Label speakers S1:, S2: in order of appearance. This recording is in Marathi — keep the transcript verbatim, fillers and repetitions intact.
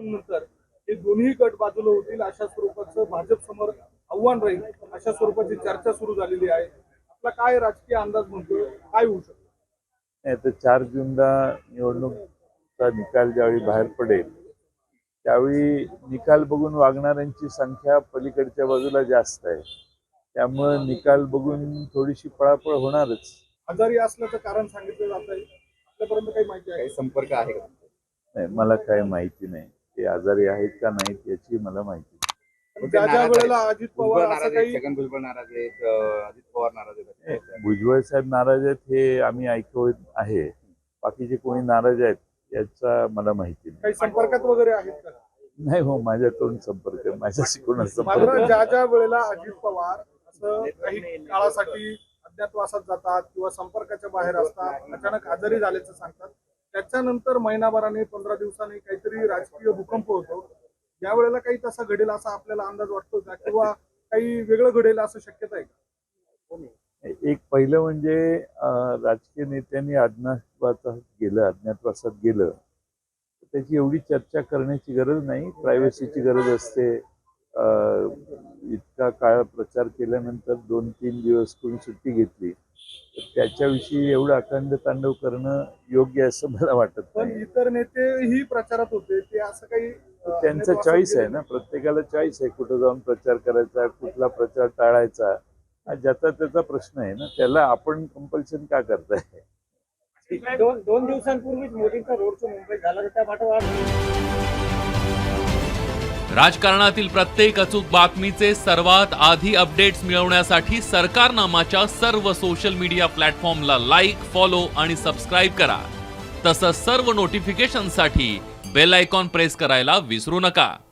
S1: नंतर हे दोन्ही गट बाजूला होतील अशा स्वरूपाचं भाजप समोर आव्हान राहील अशा स्वरूपाची चर्चा सुरू झालेली आहे. आपला काय राजकीय अंदाज म्हणतोय, काय होऊ शकतं?
S2: नाही तर चार जूनला निवडणूकचा निकाल ज्यावेळी बाहेर पडेल त्यावेळी निकाल बघून वागणाऱ्यांची संख्या पलीकडच्या बाजूला जास्त आहे. त्यामुळे निकाल बघून थोडीशी पळापळ होणारच.
S1: आजारी असल्याचं कारण सांगितलं जात आहे, आपल्यापर्यंत काही माहिती आहे?
S3: संपर्क आहे का?
S2: नाही, मला काही माहिती नाही. ते आजारी आहेत का नाहीत याची मला माहिती नाही.
S1: ज्या ज्या वेळेला अजित पवार असं
S3: नाराज
S1: काही
S3: आहेत, छगन भुजबळ नाराज आहेत, अं, अजित पवार नाराज आहेत.
S2: भुजबळ साहेब नाराज आहेत हे आम्ही ऐकत आहे. बाकीचे कोणी नाराज आहेत याचा मला माहिती नाही.
S1: काही संपर्कात वगैरे आहेत का?
S2: नाही हो, माझ्याकडून संपर्क आहे, माझ्याशी कोणाचा
S1: मात्र
S2: संपर्क
S1: ज्या ज्या वेळेला अजित पवार असं काही काळासाठी अज्ञातवासात जातात किंवा संपर्काच्या बाहेर असतात, अचानक आजारी झाल्याचं सांगतात, त्याच्यानंतर महिनाभराने पंधरा दिवसांनी काहीतरी राजकीय भूकंप होतो. या वेळेला काही तसा घडेल असा आपल्याला अंदाज वाटतो का, किंवा काही वेगळं घडेल असं शक्यता आहे का?
S2: एक पहिलं म्हणजे अं, राजकीय नेत्यांनी अज्ञातवासात गेलं अज्ञातवासात गेलं त्याची एवढी चर्चा करण्याची गरज नाही. प्रायव्हसीची गरज असते. अं, इतका काळ प्रचार केल्यानंतर दोन तीन दिवस कोणी सुट्टी घेतली तर त्याच्याविषयी एवढं अखंड तांडव करणं योग्य असं मला वाटत
S1: पण
S2: नाही.
S1: इतर नेतेही प्रचारात होते, ते असं काही अं,
S2: त्यांचा
S1: अज्ञातवासात
S2: चॉईस आहे
S1: गेले
S2: ना, प्रत्येकाला चॉईस आहे कुठं जाऊन प्रचार करायचा, कुठला प्रचार टाळायचा. हा ज्याचा त्याचा प्रश्न आहे ना, त्याला आपण कंपल्शन का करताय?
S4: दोन दोन दिवसांपूर्वीच मोदींचा रोड शो मुंबईत झाला, त्या पाठोपाठ
S5: राजकारणातील प्रत्येक अचूक बातमीचे सर्वात आधी अपडेट्स मिळवण्यासाठी सरकारनामाच्या सर्व सोशल मीडिया प्लॅटफॉर्मला लाईक, फॉलो आणि सबस्क्राईब करा. तसंच सर्व नोटिफिकेशनसाठी बेल आयकॉन प्रेस करायला विसरू नका.